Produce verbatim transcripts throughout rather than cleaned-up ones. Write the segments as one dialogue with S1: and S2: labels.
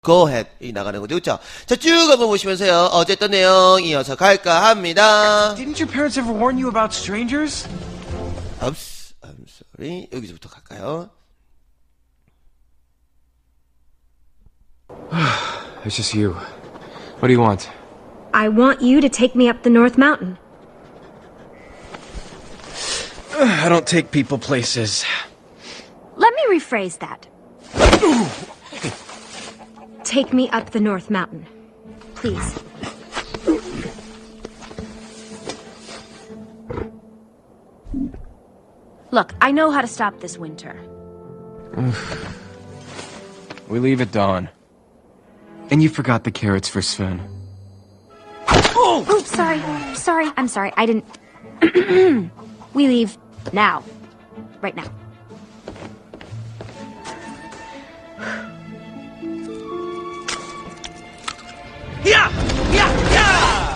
S1: go ahead 이 나가는 거죠, 그렇죠? 자, 쭉 한번 보시면서요. 어제 했던 내용 이어서 갈까 합니다.
S2: Didn't your parents ever warn you about strangers?
S1: Oops, I'm sorry. 여기서부터 갈까요?
S2: It's just you. What do you want?
S3: I want you to take me up the North Mountain.
S2: I don't take people places.
S3: Let me rephrase that. Take me up the North Mountain. Please. Look, I know how to stop this winter.
S2: We leave at dawn. And you forgot the carrots for Sven.
S3: Oh! Oops, sorry. Sorry, I'm sorry. I didn't... We leave now. Right now.
S2: Yeah! Yeah! Yeah!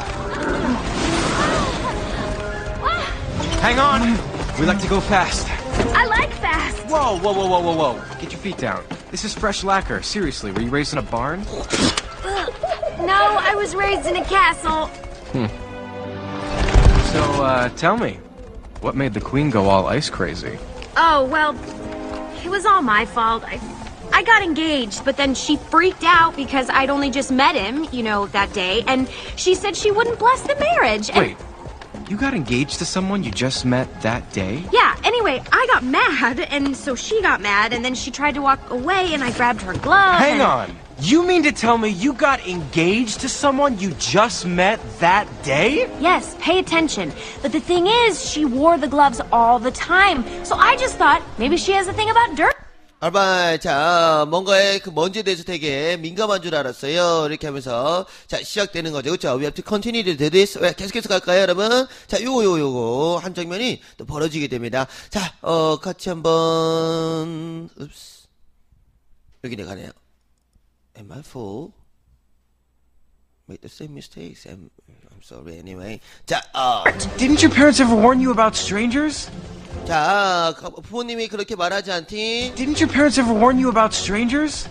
S2: Hang on! We like to go fast.
S3: I like fast.
S2: Whoa, whoa, whoa, whoa, whoa, whoa. Get your feet down. This is fresh lacquer. Seriously, were you raised in a barn?
S3: No, I was raised in a castle.
S2: Hmm. So, uh, tell me, what made the queen go all ice crazy?
S3: Oh, well, it was all my fault. I, I got engaged, but then she freaked out because I'd only just met him, you know, that day, and she said she wouldn't bless the marriage. And
S2: Wait, you got engaged to someone you just met that day?
S3: yeah, anyway, I got mad, and so she got mad, and then she tried to walk away, and I grabbed her glove.
S2: Hang
S3: and...
S2: on! You mean to tell me you got engaged to someone you just met that day?
S3: Yes, pay attention. But the thing is, she wore the gloves all the time. So I just thought maybe she has a thing about dirt.
S1: 알바이, 자, 뭔가의 그 먼지에 대해서 되게 민감한 줄 알았어요. 이렇게 하면서, 자, 시작되는 거죠. 그쵸? We have to continue to do this. 왜, 계속해서 갈까요, 여러분? 자, 요거, 요거, 요거. 한 장면이 또 벌어지게 됩니다. 자, 어, 같이 한번, 읍스. 여기 내가 가네요. Am I full? Make the same mistakes. I'm, I'm sorry anyway. 자, 어.
S2: Didn't your parents ever warn you about strangers?
S1: 자, 부모님이 그렇게 말하지 않디?
S2: Didn't your parents ever warn you about strangers?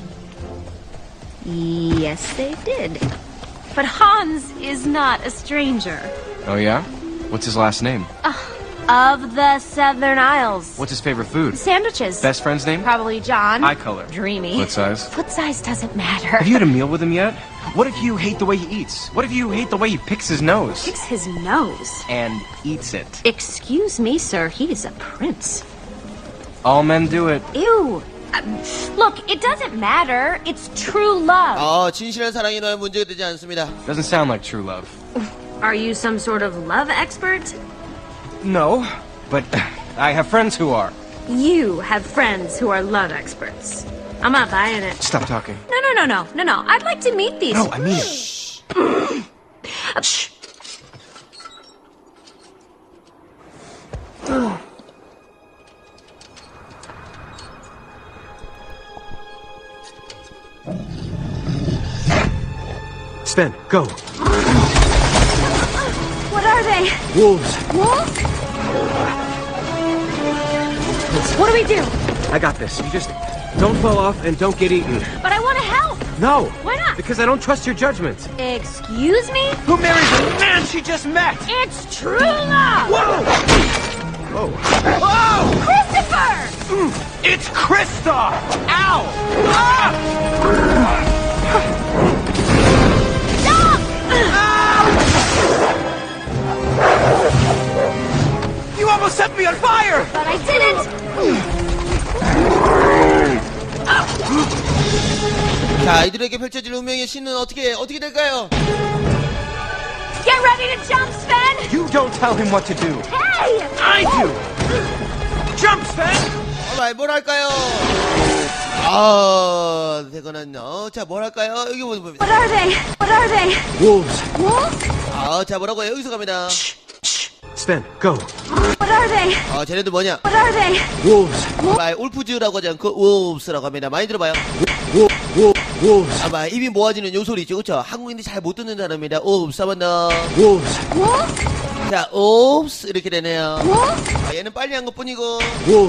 S3: Yes, they did. But Hans is not a stranger.
S2: Oh yeah? What's his last name?
S3: Uh, of the Southern Isles.
S2: What's his favorite food?
S3: Sandwiches.
S2: Best friend's name?
S3: Probably John.
S2: Eye color.
S3: Dreamy.
S2: Foot size?
S3: Foot size doesn't matter.
S2: Have you had a meal with him yet? What if you hate the way he eats? What if you hate the way he picks his nose?
S3: Picks his nose.
S2: And eats it.
S3: Excuse me, sir. He is a prince.
S2: All men do it.
S3: Ew. Um, look, it doesn't matter. It's true love.
S1: 어, 진실한 사랑이 너의 문제가 되지 않습니다.
S2: Doesn't sound like true love.
S3: Are you some sort of love expert?
S2: No, but I have friends who are.
S3: You have friends who are love experts. I'm not buying it.
S2: Stop talking.
S3: No, no, no, no, no, no. I'd like to meet these.
S2: No, I mean it.
S3: Uh, Shh.
S2: Sven, go.
S3: What are they?
S2: Wolves.
S3: Wolves? What do we do?
S2: I got this. You just don't fall off and don't get eaten.
S3: But I want to help.
S2: No.
S3: Why not?
S2: Because I don't trust your judgment.
S3: Excuse me?
S2: Who marries the man she just met?
S3: It's true love.
S2: Whoa! Whoa! Whoa!
S3: Christopher!
S2: Mm, it's Kristoff! Ow! Ah!
S3: Stop!
S2: You almost set me on fire!
S3: But I didn't.
S1: 자, 이들에게 펼쳐질 운명의 신은 어떻게, 어떻게 될까요?
S3: Get ready to jump, Sven!
S2: You don't tell him what to do.
S3: Hey!
S2: I do! Jump, Sven!
S1: alright, 뭘 할까요? 아, 되거나요. 자, 뭘 할까요? 여기 보면
S3: What are they? What are they?
S2: Wolves.
S3: Wolves?
S1: 아, 자, 뭐라고요? 여기서 갑니다.
S2: Sven, go.
S3: What are they?
S1: 아, 쟤네들 뭐냐?
S3: What are they?
S2: Wolves.
S1: 아마 울프즈라고 하지 않고 wolves라고 합니다. 많이 들어봐요.
S2: Wolf, wolf, wolves.
S1: 아마 입이 모아지는 요 소리 있죠, 그쵸? 한국인들이 잘 못 듣는 단어입니다. wolves, 한번 더.
S2: Wolves.
S3: Wolves?
S1: 자, wolves 이렇게 되네요.
S3: Wolves?
S1: 아, 얘는 빨리 한 것뿐이고.
S2: Wolves.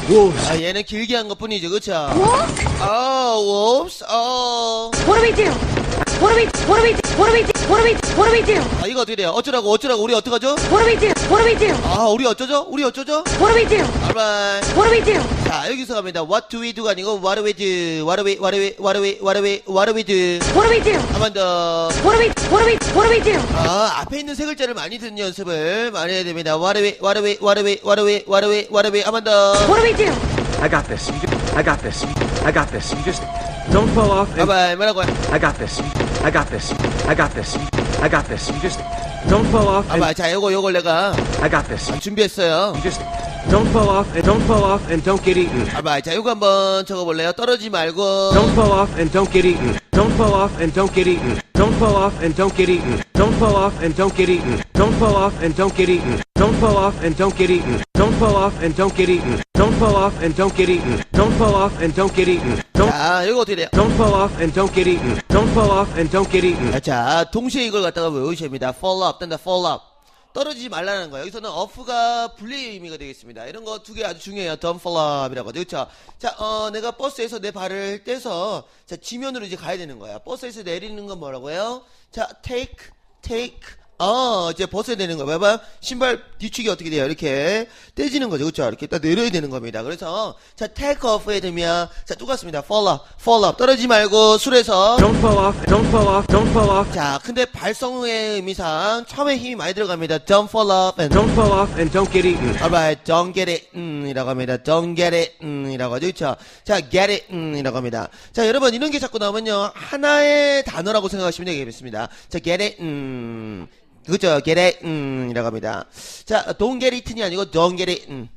S2: Wolves.
S1: 아, 얘는 길게 한 것 뿐이죠, 그쵸?
S3: Wolf?
S1: 어, wolves, 어.
S3: What do we do? What do we, what do we, what do we, do? what do we, what do we do?
S1: 아, 이거 어떻게 돼요? 어쩌라고, 어쩌라고, 우리 어떡하죠?
S3: What do we do? What do we do?
S1: 아, 우리 어쩌죠? 우리 어쩌죠?
S3: What do we do?
S1: alright.
S3: What do we do?
S1: 자, 여기서 갑니다. What do we do가 아니고, what do we do? What do we, what do we, what do we, what do we, what do we do?
S3: What do we do?
S1: 한 번 더.
S3: What do we, what do we, what do we do?
S1: 아, 앞에 있는 세 글자를 많이 듣는 연습을 많이 해야 됩니다. What do we, what do we, what do we, what do we, what do we, what do we, 한 번 더.
S3: What do we do?
S2: I got this. You just, I got this. I got this. You just don't fall off. And
S1: 봐봐, 뭐라고요?
S2: I got this. I got this. I got this. I got this. You just don't fall off. And
S1: 봐봐, 자, 요거, 요걸 내가
S2: I got this.
S1: 준비했어요.
S2: You just don't fall off and don't fall off and don't get eaten.
S1: 봐봐, 자, 요거 한번 적어볼래요? 떨어지지 말고.
S2: Don't fall off and don't get eaten. Don't fall off and don't get eaten. Don't fall off and don't get eaten. Don't fall off and don't get eaten. Don't fall off and don't get eaten. Don't fall off and don't get eaten. Don't fall off and don't get eaten. Don't fall off and don't get eaten. Don't fall off and don't get eaten. Don't
S1: 자, 요거 어떻게 돼요?
S2: don't fall off and don't get eaten. Don't fall off and don't get eaten.
S1: 자, 동시에 이걸 갖다가 외우셔야 됩니다. fall off, 된다, fall off. 떨어지지 말라는 거예요. 여기서는 off가 분리의 의미가 되겠습니다. 이런 거 두 개 아주 중요해요. don't fall off이라고 하죠. 그쵸? 자, 어, 내가 버스에서 내 발을 떼서, 자, 지면으로 이제 가야 되는 거야. 버스에서 내리는 건 뭐라고요? 자, take, take, 어, 이제 벗어야 되는 거야. 봐봐. 신발 뒤축이 어떻게 돼요? 이렇게 떼지는 거죠. 그쵸? 이렇게 딱 내려야 되는 겁니다. 그래서, 자, take off 해야 되면, 자, 똑같습니다. fall off, fall off. 떨어지지 말고, 술에서.
S2: Don't fall off. Don't fall off. Don't fall off.
S1: 자, 근데 발성의 의미상 처음에 힘이 많이 들어갑니다. Don't fall off and
S2: Don't fall off and don't get eaten.
S1: alright, don't get it, 음, 이라고 합니다. Don't get it, 음, 이라고 하죠. 그쵸? 자, get it, 음, 이라고 합니다. 자, 여러분, 이런 게 자꾸 나오면요. 하나의 단어라고 생각하시면 되겠습니다. 자, get it, 음, 그죠? get it, 음, 이라고 합니다. 자, don't get it이 아니고 don't get it, 음.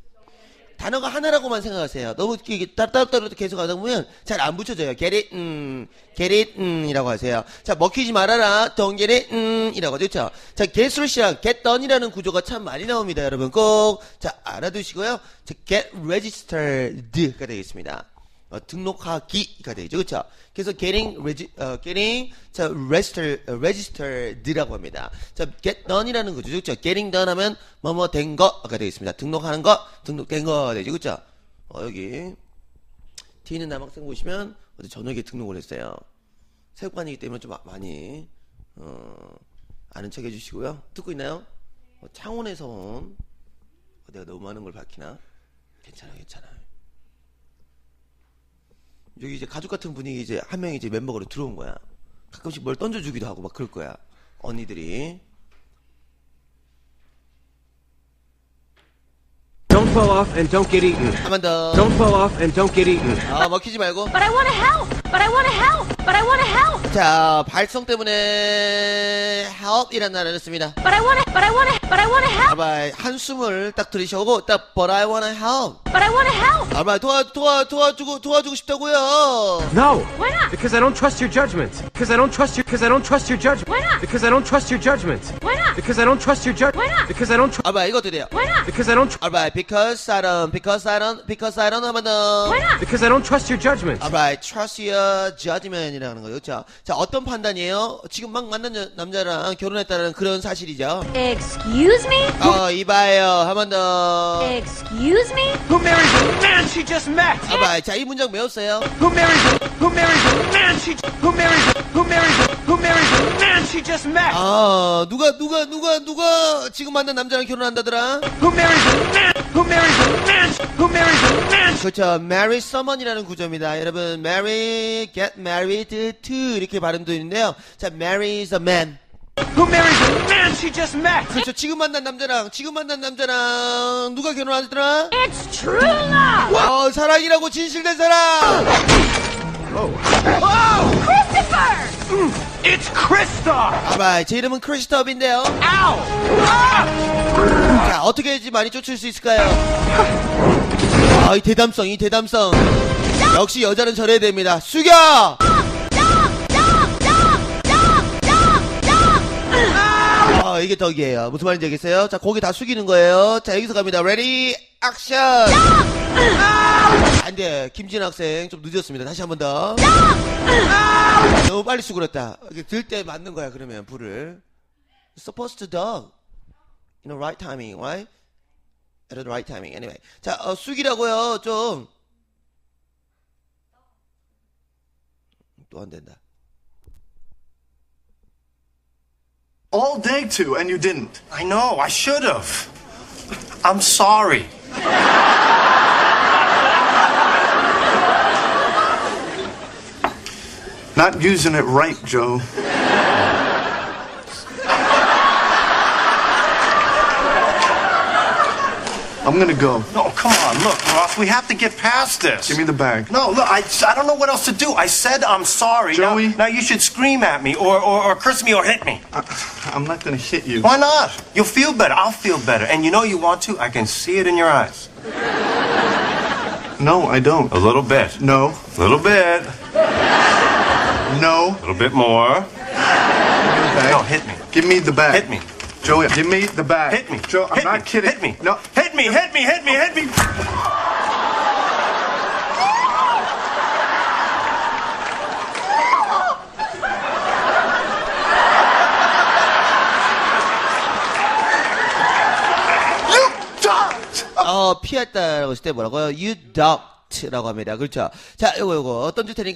S1: 단어가 하나라고만 생각하세요. 너무 이게 따로따로 계속 하다 보면 잘 안 붙여져요. get it, 음, get it, 음, 이라고 하세요. 자, 먹히지 말아라. don't get it, 음, 이라고 하죠. 그쵸? 자, get으로 시작, get done이라는 구조가 참 많이 나옵니다. 여러분 꼭, 자, 알아두시고요. 자, get registered가 되겠습니다. 어, 등록하기가 되죠. 그쵸? 그래서 getting, regi, 어, getting, 자, register, 어, registered라고 합니다. 자, get done이라는 거죠. 그쵸? getting done 하면, 뭐뭐 된 거가 되겠습니다. 등록하는 거, 등록된 거 되죠. 그쵸? 어, 여기, T는 남학생 보시면, 어제 저녁에 등록을 했어요. 체육관이기 때문에 좀 많이, 어, 아는 척 해주시고요. 듣고 있나요? 어, 창원에서 온, 어, 내가 너무 많은 걸 밝히나? 괜찮아요, 괜찮아요. 여기 이제 가족 같은 분위기 이제 한 명이 이제 멤버로 들어온 거야. 가끔씩 뭘 던져주기도 하고 막 그럴 거야. 언니들이.
S2: Don't fall off and don't get eaten.
S1: 한 번 더.
S2: Don't fall off and don't get eaten.
S1: 아, 먹히지 말고.
S3: But I want to help. But I want to help. But I want to help.
S1: 자, 발성 때문에 help이라는 단어를 씁니다.
S3: But I want to. But I want to. But I want to help.
S1: 아바, 한숨을 딱 들이셔고 딱 but I wanna help.
S3: But I want to help.
S1: 아바, 도와 도와 도와주고 도와주고 싶다고요.
S2: No.
S3: Why not?
S2: Because I don't trust your judgment. Because I don't trust your. Because I don't trust your judgment.
S3: Why not?
S2: Because I don't trust your judgment.
S3: Why not?
S2: Because I don't trust your judgment.
S3: Why not?
S2: Because I don't. Tr-
S1: 아바, 이거 어떻게 돼요?
S3: Why not?
S2: because I don't. Tr-
S1: Alright, because I don't, because I don't, because I don't 하면 더.
S3: Why not?
S2: because I don't trust your judgment.
S1: Alright, trust your judgment이라는 거죠. 자, 자, 어떤 판단이에요? 지금 막 만난 여- 남자랑 결혼했다는 그런 사실이죠.
S3: Excuse me?
S1: 어, 이봐요. 한 번 더.
S3: Excuse me?
S2: Who marries the man she just met?
S1: 아바, 자, 이 문장 외웠어요.
S2: Who marries the. Who marries the man she. Who marries the. Who marries the. Who marries the man she just met?
S1: 아, 누가, 누가, 누가, 누가 지금 만난 남자랑 결혼한다더라?
S2: Who marries the man? Who marries the man? Who marries the man?
S1: 그렇죠. marry someone이라는 구조입니다. 여러분, marry, get married to 이렇게 발음도 있는데요. 자, marry is a man.
S2: Who marries the man she just met?
S1: 그렇죠. 지금 만난 남자랑, 지금 만난 남자랑 누가 결혼하더라?
S3: It's true love!
S1: 어, 사랑이라고 진실된 사랑!
S3: Christopher!
S2: It's Krista!
S1: 아바, 제 이름은 크리스톱인데요.
S2: Ow!
S1: 자, 어떻게 해야지 많이 쫓을 수 있을까요? 아, 이 대담성, 이 대담성. 역시 여자는 저래야 됩니다. 숙여! 아, 이게 덕이에요. 무슨 말인지 알겠어요? 자, 고개 다 숙이는 거예요. 자, 여기서 갑니다. 레디, 액션! 안 돼. 김진 학생 좀 늦었습니다. 다시 한 번 더. 너무 빨리 수그렸다. 들 때 맞는 거야, 그러면, 불을. Supposed to dog. You know, right timing, right? at the right timing. Anyway. 자, 어, 숙이라고요. 좀. 또 안 된다.
S4: All day to, and you didn't.
S5: I know, I should have. I'm sorry.
S4: Not using it right, Joe. I'm gonna go.
S5: No, come on, look, Ross, we have to get past this.
S4: Give me the bag.
S5: No, look, I, I don't know what else to do. I said I'm sorry.
S4: Joey?
S5: Now, now you should scream at me or, or, or curse me or hit me.
S4: I, I'm not gonna hit you.
S5: Why not? You'll feel better. I'll feel better. And you know you want to? I can see it in your eyes.
S4: No, I don't.
S5: A little bit.
S4: No.
S5: A little bit.
S4: No.
S5: A little bit more.
S4: Bag.
S5: No, hit me.
S4: Give me the bag.
S5: Hit me.
S4: Joey, give me the bag.
S5: Hit me.
S4: Joe, I'm
S5: hit
S4: not
S5: me.
S4: kidding.
S5: Hit me.
S4: No.
S5: Hit me, hit me, hit me, hit me.
S4: You ducked!
S1: 어, 피했다라고 했을 때 뭐라고요? You ducked 라고 합니다. 그렇죠? 자, 요거, 요거, 던질 테니까